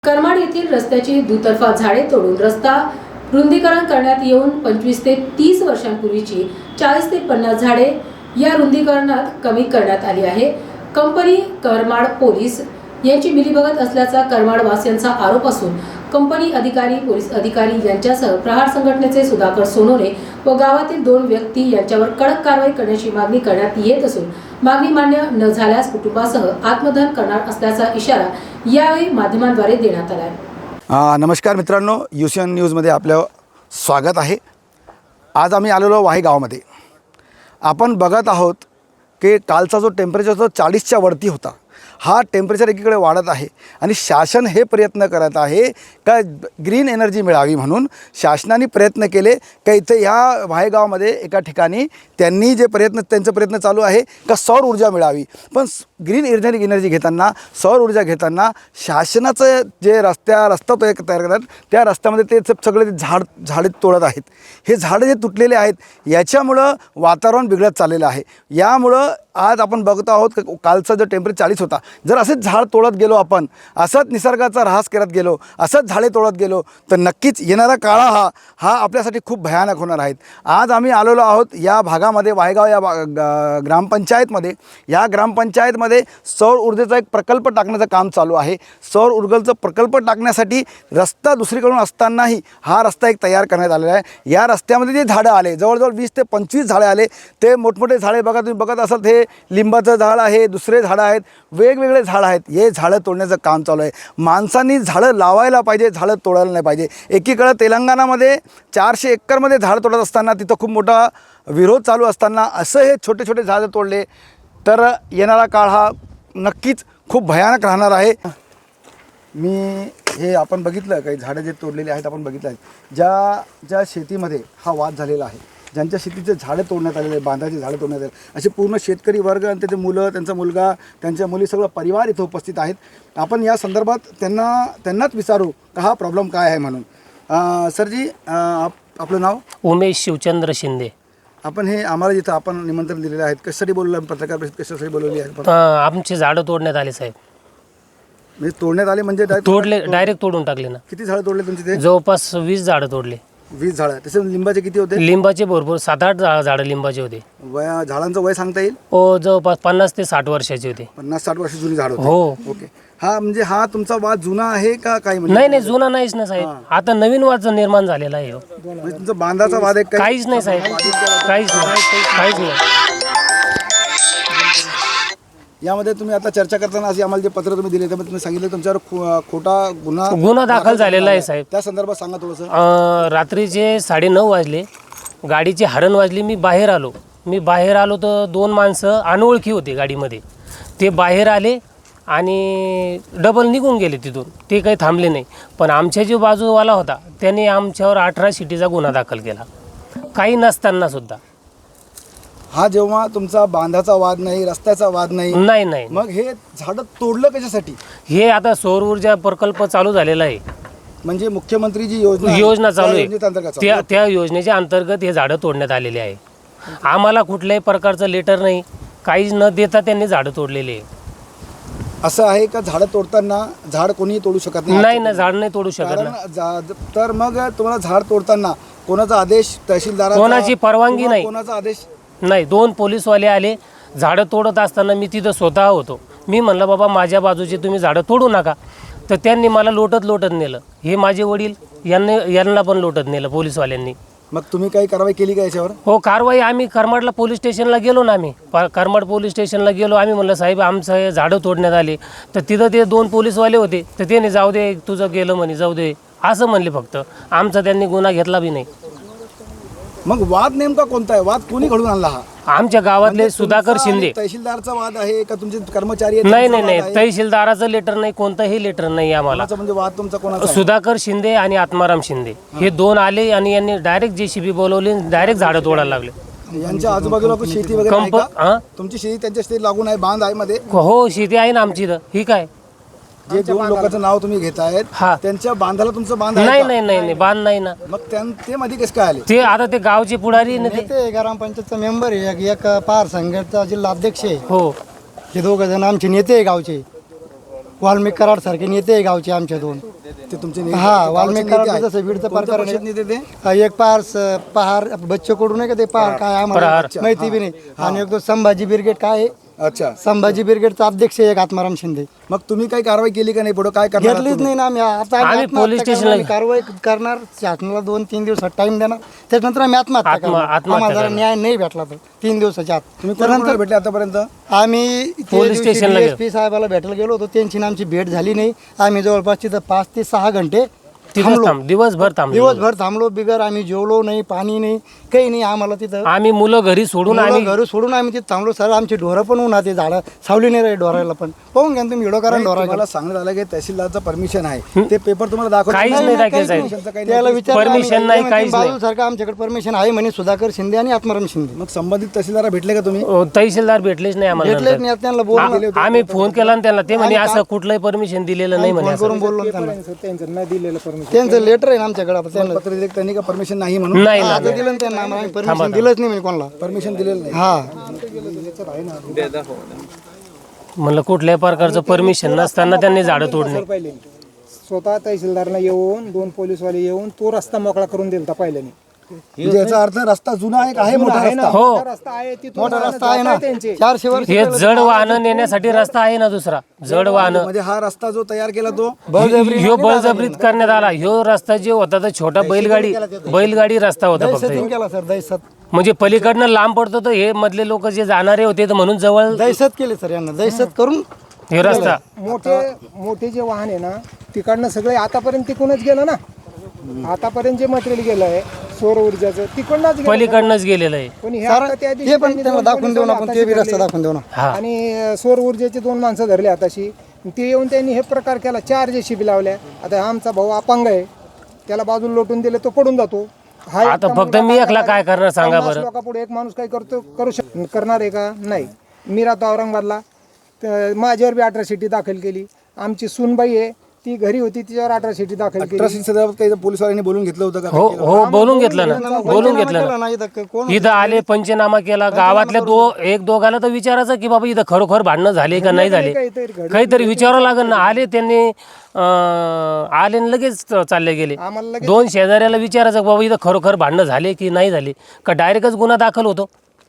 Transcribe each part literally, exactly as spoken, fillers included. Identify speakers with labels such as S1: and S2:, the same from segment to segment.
S1: करमाड येथील रस्त्याची दुतर्फा झाडे तोडून रस्ता रुंदीकरण करण्यात येऊन पंचवीस ते तीस वर्षांपूर्वीची चाळीस ते पन्नास झाडे या रुंदीकरणात कमी करण्यात आली आहे. कंपनी करमाड पोलीस यांची मिलीभगत असल्याचा करमाड वासियांचा आरोप असून कंपनी अधिकारी, पोलीस अधिकारी यांच्यासह प्रहार संघटनेचे सुधाकर सोनोने व गावातील दोन व्यक्ती यांच्यावर कडक कारवाई करण्याची मागणी करण्यात येत असून मागणी मान्य न झाल्यास कुटुंबासह आत्मदहन करणार असल्याचा इशारा यावेळी माध्यमांद्वारे देण्यात आला आहे.
S2: नमस्कार मित्रांनो, युसीएन न्यूजमध्ये आपलं स्वागत आहे. आज आम्ही आलेलो वाही गावामध्ये. आपण बघत आहोत की कालचा जो टेम्परेचर तो चाळीसच्या वरती होता, हा टेम्परेचर एकीकडे वाढत आहे आणि शासन हे प्रयत्न करत आहे का ग्रीन एनर्जी मिळावी म्हणून शासनाने प्रयत्न केले का इथे ह्या वाही गावामध्ये एका ठिकाणी त्यांनी जे प्रयत्न त्यांचा प्रयत्न चालू आहे का सौर ऊर्जा मिळावी. पण ग्रीन एनर्जी एनर्जी घेताना, सौर ऊर्जा घेताना शासनाचं जे रस्त्या रस्ता तो एक तयार करतात त्या रस्त्यामध्ये ते सगळे ते झाड झाडे तोडत आहेत. हे झाडं जे तुटलेले आहेत याच्यामुळं वातावरण बिघडत चाललेलं आहे. यामुळं आज आपण बघत आहोत की कालचा जो टेम्परेचर चाळीस होता, जर असेच झाड तोडत गेलो आपण, असंच निसर्गाचा ऱ्हास करत गेलो, असंच झाडे तोडत गेलो तर नक्कीच येणारा काळा हा हा आपल्यासाठी खूप भयानक होणार आहेत. आज आम्ही आलेलो आहोत या भागामध्ये, वाहेगाव या ग्रामपंचायतमध्ये. या ग्रामपंचायतमध्ये सौर ऊर्जेचा एक प्रकल्प टाकण्याचं काम चालू आहे. सौर ऊर्जेचा प्रकल्प टाकण्यासाठी रस्ता दुसरीकडून असतानाही हा रस्ता एक तयार करण्यात आलेला आहे. या रस्त्यामध्ये जे झाडं आले, जवळजवळ वीस ते पंचवीस झाडे आले. ते मोठमोठे झाडे बघा, तुम्ही बघत असाल, हे लिंबाचं झाड आहे, दुसरे झाडं आहेत, वेगवेगळे झाडं आहेत. हे झाडं तोडण्याचं काम चालू आहे. माणसांनी झाडं लावायला पाहिजे, झाडं तोडायला नाही पाहिजे. एकीकडं तेलंगणामध्ये चारशे एकरमध्ये झाड तोडत असताना तिथं खूप मोठा विरोध चालू असताना असं हे छोटे छोटे झाडं तोडले तर येणारा काळ हा नक्कीच खूप भयानक राहणार आहे. मी हे आपण बघितलं, काही झाडं जे तोडलेली आहेत आपण बघितलं आहेत. ज्या ज्या शेतीमध्ये हा वाद झालेला आहे, ज्यांच्या शेतीचे झाडं तोडण्यात आलेले, बांधाचे झाडं तोडण्यात आले, असे पूर्ण शेतकरी वर्ग आणि त्याचे मुलं, त्यांचा मुलगा, त्यांच्या मुली, सगळं परिवार इथं उपस्थित आहेत. आपण या संदर्भात त्यांना त्यांनाच विचारू का हा प्रॉब्लेम काय आहे म्हणून. सरजी, आप आपलं नाव?
S3: उमेश शिवचंद्र शिंदे.
S2: आपण हे आम्हाला जिथं आपण निमंत्रण दिलेलं आहे, कशासाठी बोलवलं, पत्रकार परिषद कशासाठी बोलवली आहे?
S3: आमचे झाडं तोडण्यात आले साहेब.
S2: म्हणजे तोडण्यात आले म्हणजे
S3: तोडले, डायरेक्ट तोडून टाकले ना.
S2: किती झाडं तोडले तुमचे? ते
S3: जवळपास वीस झाडं तोडले.
S2: वीस झाडं. तसे लिंबाचे किती होते?
S3: लिंबाचे भरपूर सात आठ झाडं लिंबाचे होते.
S2: वया झाडांचं वय सांगता येईल?
S3: हो, जवळपास पन्नास ते साठ वर्षाचे होते.
S2: पन्नास साठ वर्ष जुनी झाड होते.
S3: हो.
S2: ओके. हा म्हणजे हा तुमचा वाद जुना आहे का काय? म्हणजे
S3: नाही नाही, जुना नाहीच ना साहेब, आता नवीन वाद निर्माण झालेला आहे.
S2: म्हणजे तुमचा बांधाचा वाद आहे?
S3: काहीच नाही साहेब, काहीच नाही, काहीच नाही.
S2: यामध्ये तुम्ही आता चर्चा करताना असे आम्हाला जे पत्र तुम्ही दिले त्यामध्ये तुम्ही सांगितलं तुमच्यावर खोटा गुन्हा
S3: गुन्हा दाखल झालेला आहे साहेब.
S2: त्या संदर्भात सांगा थोडंसं.
S3: रात्रीचे साडे नऊ वाजले, गाडीची हरण वाजली. मी बाहेर आलो मी बाहेर आलो तर दोन माणसं अनोळखी होते गाडीमध्ये. ते बाहेर आले आणि डबल निघून गेले तिथून. ते काही थांबले नाही. पण आमच्या जो बाजूवाला होता त्याने आमच्यावर अठरा शिटीचा गुन्हा दाखल केला, काही नसताना सुद्धा.
S2: हा जेव्हा तुमचा बांधाचा वाद नाही, रस्त्याचा वाद नाही,
S3: नाही नाही,
S2: मग हे झाडं तोडलं कशासाठी?
S3: हे आता सौर ऊर्जा प्रकल्प चालू झालेला आहे.
S2: म्हणजे मुख्यमंत्री जी योजना
S3: योजना चालू आहे त्या त्या योजनेच्या अंतर्गत हे झाडं तोडण्यात आलेले आहे. आम्हाला कुठल्याही प्रकारचं लेटर नाही, काहीच न देता त्यांनी झाडं तोडलेली आहे.
S2: असं आहे का झाडं तोडताना झाड कोणीही तोडू शकत नाही?
S3: नाही ना, झाड नाही तोडू शकत ना.
S2: जा- तर मग तुम्हाला झाड तोडताना कोणाचा आदेश? तहसीलदार?
S3: कोणाची परवानगी नाही.
S2: कोणाचा आदेश
S3: नाही. दोन पोलीसवाले आले. झाडं तोडत असताना मी तिथं स्वतः होतो. मी म्हणलं बाबा माझ्या बाजूचे तुम्ही झाडं तोडू नका. तर त्यांनी मला लोटत लोटत नेलं. हे माझे वडील, यांनी यांना पण लोटत नेलं पोलीसवाल्यांनी.
S2: मग तुम्ही काही कारवाई केली का याच्यावर?
S3: हो, कारवाई आम्ही करमाडला पोलीस स्टेशनला गेलो ना. आम्ही करमाड पोलीस स्टेशनला गेलो. आम्ही म्हणलं साहेब आमचं हे झाडं तोडण्यात आले. तर तिथं ते दोन पोलीसवाले होते. तर त्याने जाऊ दे, तुझं गेलं म्हणे, जाऊ दे असं म्हणले फक्त. आमचा त्यांनी गुन्हा घेतला बी नाही.
S2: मग वाद नेमका कोणता आहे? वाद कोणी घडून आणला? हा
S3: आमच्या गावातले सुधाकर शिंदे.
S2: तहसीलदारचा वाद आहे का तुमचे कर्मचारी आहेत?
S3: नाही नाही नाही, तहसीलदाराचं लेटर नाही, कोणतंही लेटर नाही आम्हाला.
S2: म्हणजे वाद तुमचा कोणाचा?
S3: सुधाकर शिंदे आणि आत्माराम शिंदे हे दोन आले आणि यांनी डायरेक्ट जेसीबी बोलवली, डायरेक्ट झाडं तोडायला लागले.
S2: यांच्या आजूबाजूला कोण शेती वगैरे आहे
S3: कंप
S2: का?
S3: हां,
S2: तुमची शेती त्यांच्या शेती लागून आहे, बांध आहे मध्ये?
S3: हो, शेती आहे ना आमची. तर ही काय,
S2: जे दोन लोकांचं नाव तुम्ही घेतायत
S3: हा,
S2: त्यांच्या बांधाला तुमचं बांध आहे
S3: नाही
S2: का?
S3: नाही नाही नाही, बांध नाही ना.
S2: मग त्यां- ते मध्ये कसं काय आले?
S3: ते आता ते गावचे पुढारी ना ते.
S4: ते ग्रामपंचायतचा मेंबर आहे, एक- एक पार संघटचा जिल्हा अध्यक्ष आहे.
S3: हो,
S4: हे दोघं जण आमचे नेते आहे गावचे. वाल्मिक कराड सारखे नेते आहे गावचे आमच्या दोन.
S2: ते तुमचे ने-
S4: हा
S2: गावचे
S4: वाल्मिक
S2: नेते
S4: कराड
S2: आहेत.
S4: जसं बीडचं
S2: कोणत्या
S4: प्रकार
S2: पक्षाचे नेते ते
S4: आहे. एक पार स- पहार बच्चे कडू नाही का ते पहार काय आम्हाला
S3: प्रहार.
S4: माहिती बी नाही. आणि एक तो संभाजी ब्रिगेड काय आहे,
S2: अच्छा.
S4: संभाजी ब्रिगेडचा अध्यक्ष आहे एक आत्माराम शिंदे.
S2: मग तुम्ही काही कारवाई केली का नाही? पुढे काय करणार आहात
S4: घेतलीच
S2: तुम्ही?
S4: नाही ना आम्ही. आता
S3: आम्ही
S4: आत्महत्या
S3: पोलीस
S4: करणार,
S3: स्टेशनला-
S4: आम्ही कारवाई करणार. शासनाला दोन तीन दिवसात टाइम देणार, त्याच्यानंतर आम्ही आत्महत्या
S3: आत्म-
S4: करणार.
S3: आत्महत्या
S4: आम्हाला जर
S3: करणार.
S4: न्याय नाही भेटला तर तीन दिवसाच्या आत
S2: तुम्ही कोणाकोणाला भेटले आतापर्यंत?
S4: आम्ही
S3: पोलीस स्टेशनला गेलो.
S4: पी साहेबाला भेटायला गेलो होतो, त्यांची आणि आमची भेट झाली नाही. आम्ही जवळपास तिथं पाच ते सहा घंटे
S3: तिथंच
S4: थांबलो.
S3: थांब दिवसभर थांबलो
S4: दिवसभर थांबलो. बिगर आम्ही जेवलो नाही, पाणी नाही, काही नाही. आम्हाला तिथं
S3: आम्ही मुलं घरी सोडून
S4: मुलं
S3: आम्ही
S4: घरी सोडून आम्ही तिथं थांबलो. सर आमची ढोरं पण उन्हात आहे, झाडं सावली नाही रे ढोरायला पण. पाहून घ्या ना तुम्ही, व्हिडिओ करा
S2: नाही,
S4: ढोरा
S2: तुम्हाला सांगण्यात आलं की तहसीलदारचं परमिशन आहे, ते पेपर तुम्हाला दाखवत
S3: काहीच नाही दाखल साहेब.
S4: त्याला विचारलं आम्ही.
S3: Permission नाही,
S4: ते
S3: काहीच
S4: म्हणते,
S3: नाही.
S4: बाजू सारखं आमच्याकडे परमिशन आहे म्हणे, सुधाकर शिंदे आणि आत्माराम शिंदे.
S2: मग संबंधित तहसीलदार भेटले का तुम्ही?
S3: अ, तहसीलदार भेटलेच नाही आम्हाला
S4: भेटलेच
S3: नंतर.
S4: नाही. त्यांना बोलून
S3: आ- आम्ही फोन केला आणि त्यांना ते म्हणे असं कुठलंही परमिशन दिलेलं नाही म्हणे
S4: फोन
S3: असं.
S4: करून बोललो ना त्यांना.
S5: त्यांचं
S4: त्यांचं लेटर आहे ना आमच्याकडे. आता त्यांना
S2: पत्र दिले त्यांनी का परमिशन नाही म्हणून
S3: नाही ना
S4: आता दिलं ना त्यांना, आम्हाला परमिशन दिलंच नाही म्हणे कोणाला.
S2: परमिशन दिलेलं नाही.
S4: हा
S3: म्हणलं कुठल्याही प्रकारचं परमिशन नसताना त्यांनी झाडं तोडणे.
S5: पहिले स्वतः तहसीलदारला येऊन दोन पोलीसवाले येऊन तो रस्ता मोकळा करून दिलता पहिल्याने.
S2: म्हणजे याचा अर्थ रस्ता जुना आहे का? आहे मोठा
S5: आहे ना,
S2: रस्ता?
S3: हो.
S5: मोठा रस्ता आहे तिथून
S4: मोठा
S5: वाहनं
S4: रस्ता आहे ना,
S5: जात त्यांचे.
S4: चारशे वर्ष
S3: हे जड वाहनं नेण्यासाठी रस्ता आहे ना दुसरा जड वाहनं.
S2: म्हणजे हा रस्ता जो तयार केला तो
S3: ह्यो बळजबरीत करण्यात आला. ह्यो रस्ता जो होता तो छोटा बैलगाडी बैलगाडी रस्ता होता फक्त
S4: दहशत
S3: ह्यो.
S4: केला सर, दहशत
S3: म्हणजे पलीकडनं लांब पडतो तर हे मधले लोक जे जाणारे होते तर म्हणून जवळ
S4: दहशत केली सर यांना. दहशत करून
S3: हे रस्ता
S5: मोठे मोठे जे वाहन आहे ना तिकडनं सगळे आतापर्यंत तिकडूनच गेलं ना. आतापर्यंत जे मटेरियल गेलं आहे सौर ऊर्जाचं तिकडनंच गेलं.
S3: पलीकडनंच गेलेलं आहे.
S5: पण हे
S4: सर
S5: आता त्या दिवशी
S4: ते पण
S5: त्यांनी
S4: त्यांना
S5: दोन
S4: दाखवून देऊ ना,
S5: पोलिसवाले
S4: आपण ते बी
S5: हाताशी
S4: रस्ता
S5: धरले.
S4: दाखवून देऊ ना.
S3: हा
S5: आणि अ, सौर ऊर्जेचे दोन माणसं धरले हाताशी. ते येऊन त्यांनी हे प्रकार केला. चार जेसीबी लावल्या. आता आमचा भाऊ अपंग आहे, त्याला बाजूला लोटून दिले तो पडून जातो. हा
S3: आता
S5: एकटा
S3: फक्त
S5: मुलगा
S3: मी
S5: काय
S3: एकला
S5: करणार
S3: काय
S5: आहे?
S3: करणार सांगा
S5: पन्नास
S3: बरं.
S5: लोकांपुढे एक माणूस काय करतो करू शक करणार आहे का? नाही. मी राहतो औरंगाबादला, तर माझ्यावर बी अठराशिटी दाखल केली. आमची सूनबाई आहे ती घरी होती, तिच्यावर अठराशिटी दाखल केली.
S2: अठराशे संदर्भात काही पोलिसवाल्यांनी बोलून घेतलं होतं का?
S3: हो हो बोलून घेतलं ना बोलून घेतलं
S4: केला
S3: ना.
S4: नाही तर कोण
S3: इथं आले पंचनामा केला गावातल्या दो एक दोघाला तर विचारायचं की बाबा इथं खरोखर भांडणं झाले का नाही झाले
S5: काहीतरी घडलं.
S3: काहीतरी विचारावं लागेल ना. आले त्यांनी अं, आले आणि लगेच चालले गेले.
S5: आम्हाला लगेच
S3: दोन शेजाऱ्याला विचारायचं की बाबा इथं खरोखर भांडणं झाले की नाही झाले का डायरेक्टच गुन्हा दाखल होतो.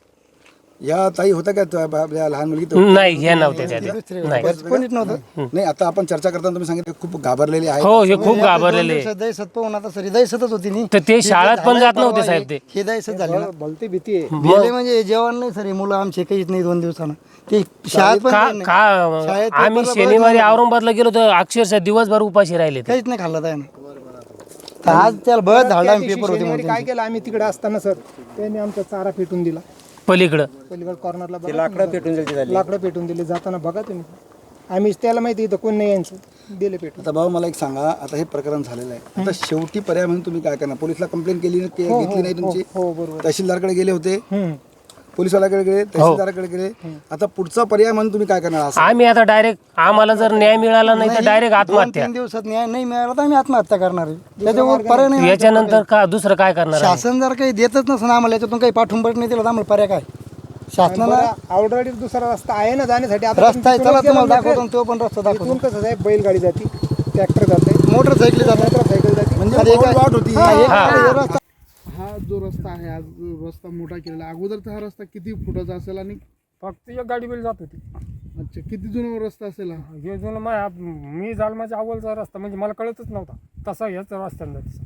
S2: या ताई होत्या का त्या आपल्या लहान मुलगी तो?
S3: नाही हे नव्हते त्या नाही.
S4: कोणीच नव्हतं.
S2: नाही, आता आपण चर्चा करताना तुम्ही सांगितलं खूप घाबरलेले आहे.
S3: हो हे खूप घाबरलेले
S4: दहशत दहशत पाहून आता सरी दहशतच होती नी.
S3: तर ते शाळेत पण जात नव्हते साहेब ते.
S4: हे दहशत झाली ना.
S5: भलती भीती आहे.
S4: गेले म्हणजे जेवण नाही सर, मुलं आमचे काहीच नाही दोन दिवसानं. ते शाळेत पण
S3: का
S4: नाही.
S3: का
S4: शाळेत
S3: आम्ही
S4: पेपरला
S3: शनिवारी औरंगाबादला गेलो तर अक्षरशः दिवसभर उपाशी राहिले ते.
S4: काहीच नाही खाल्लं त्यानं. आज त्याला बळच झाला
S5: त्या
S4: आम्ही
S5: दिवशी
S4: पेपर होते
S5: शनिवारी
S4: म्हणून.
S5: काय केलं आम्ही तिकडे असताना सर, त्यांनी आमचा चारा पेटून दिला.
S3: पलीकडं
S5: पलीकडे कॉर्नरला लाकडं पेटून दिली. लाकडं पेटून दिली. जाताना बघा तुम्ही. आम्ही त्याला माहिती इथं कोण नाही यांचं, दिले पेटून.
S2: आता भाऊ मला एक सांगा, आता हे प्रकरण झालेलं आहे, आता शेवटी पर्याय म्हणून तुम्ही काय करणार? पोलिसला कंप्लेंट केली की घेतली नाही तुमची?
S5: हो बरोबर.
S2: तहसीलदारकडे गेले होते,
S5: हम्म.
S2: पोलिसवाल्याकडे गेले, तहसीलदाराकडे गेले. आता पुढचा पर्याय म्हणून तुम्ही काय करणार? असं
S3: आम्ही आता डायरेक्ट आम्हाला जर न्याय मिळाला नाही तर डायरेक्ट
S4: दोन
S3: आत्महत्या.
S4: तीन दिवसात न्याय नाही मिळाला तर आम्ही आत्महत्या करणार आहे. त्याच्यावर पर्याय नाही.
S3: याच्यानंतर का दुसरं काय करणार आहे?
S4: शासन जर काही देतच नसेल आम्हाला, याच्यातून काही पाठवून नाही दिलं तर आम्हाला पर्याय काय? शासनाला
S5: ऑलरेडी दुसरा रस्ता आहे ना जाण्यासाठी. आता
S4: रस्ता आहे, चला तुम्हाला दाखवतो, तो पण रस्ता दाखवतो.
S5: इथून कसं आहे, बैलगाडी जाते, ट्रॅक्टर जाते,
S4: मोटरसायकल जातात.
S5: मोटरसायकल जाते.
S2: म्हणजे
S4: आणि एक-
S2: वाट होती.
S4: हा, एक- हे रस्ता
S6: हा जो रस्ता आहे, आज जो रस्ता मोठा केलेला, अगोदरचा हा रस्ता किती फुटाचा असेल आणि
S7: फक्त एक गाडी बैल जात होती.
S6: अच्छा किती जुना रस्ता असेल हा?
S7: हे जुनं माझ्या मी जालमाच्या अव्वलचा रस्ता म्हणजे मला कळतच नव्हता तसा ह्याच रस्त्यानं जायचं.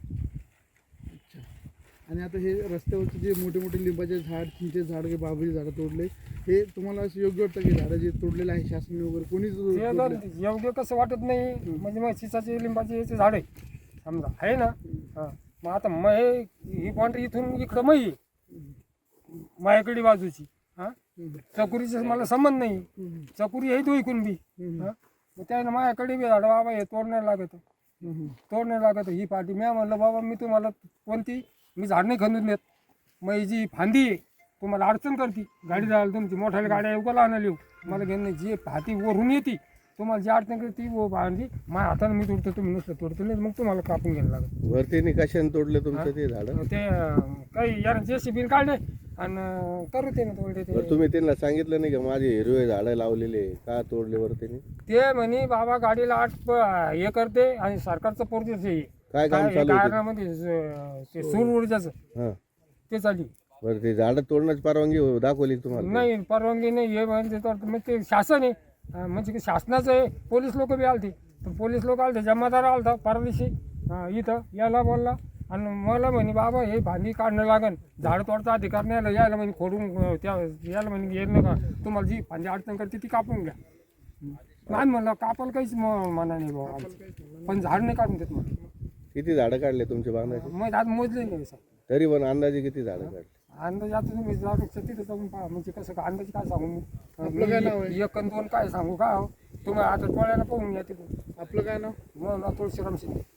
S6: आणि आता हे रस्त्यावरचे जे मोठे मोठे लिंबाचे झाड, चिंचे झाड, काही बाबरी झाडं तोडले, हे तुम्हाला असं योग्य वाटतं की झाडं जे तोडलेले आहे शासन वगैरे कोणीच
S7: ते
S6: तोडले?
S7: जर योग्य कसं वाटत नाही. म्हणजे मग चिसाचे लिंबाचे याचे झाड आहे समजा आहे ना. हां मग आता मग हे ही बाउंड्री इथून इकडं मग आहे माझ्याकडे बाजूची. हां चकुरीचा मला संबंध नाही. चकुरी आहे तो ऐकून बी. हां मग त्यानं माझ्याकडे बी झाडं बाबा हे तोडण्याला लागत तोडण्याला लागत ही पार्टी. मी म्हणलं बाबा मी तुम्हाला कोणती मी झाड नाही खंदून देत. मग ही जी फांदी आहे तुम्हाला अडचण करते गाडी जायला, तुमची मोठ्याला गाड्या उगाला आणायला येऊ मला घेणं नाही. जी हाती वरून येते तुम्हाला जी अडचण करते ती वो फांदी माझ्या हाताने मी तोडतो, तुम्ही नुसतं तोडतो नाही मग तुम्हाला कापून घ्यायला लागत.
S8: वरती निकाशाने तोडले तुमचं ते झाड?
S7: ते अं, काही यार जे सी बीन काढले आणि करू ते ना तोडले ते
S8: बरं तुम्ही त्यांना सांगितलं नाही का माझे हिरवे झाडं लावलेले का तोडले बरं त्यांनी?
S7: ते म्हणे बाबा गाडीला आठ प- हे करते आणि सरकारचं पोरतेच हे
S8: काय काम चालू होतं?
S7: कारणामध्ये ज- ते सूर ऊर्जाचं
S8: हां
S7: ते चालली
S8: बरं ते झाडं तोडण्याची परवानगी हो- दाखवली का तुम्हाला?
S7: नाही परवानगी नाही हे म्हणजे तर मग ते शासन आहे अं, म्हणजे की शासनाचं आहे. पोलीस लोक बी आलते तर पोलीस लोक आलते जमादार आलता परदेशी अं, इथं याला बोलला आणि मला म्हणे बाबा हे भांडी काढणं लागन झाड तोडचा अधिकार नाही आला यायला म्हणे खोडून अं, त्या याला म्हणे येत नका तुम्हाला जी भांडी अडचण करते ती कापून घ्या. नाही म्हणलं कापायला काहीच म- मना नाही बाबा आमचं. पण झाड नाही काढून देत मग
S8: किती झाडं काढले तुमच्या बांधाचे?
S7: मग आज मोजले नाही सर
S8: तरी पण अंदाजे किती झाडं काढले?
S7: अंदाज आता तुम्ही जाऊ तिथं जाऊन पहा म्हणजे कसं काय अंदाज काय सांगू मी
S6: आपलं काय नाव आहे?
S7: मी एक आणि दोन काय सांगू का हो? तुम्ही आता टोळ्याला पाहून या तिथून
S6: आपलं काय नाव?
S7: मग तुळशीराम शिंदे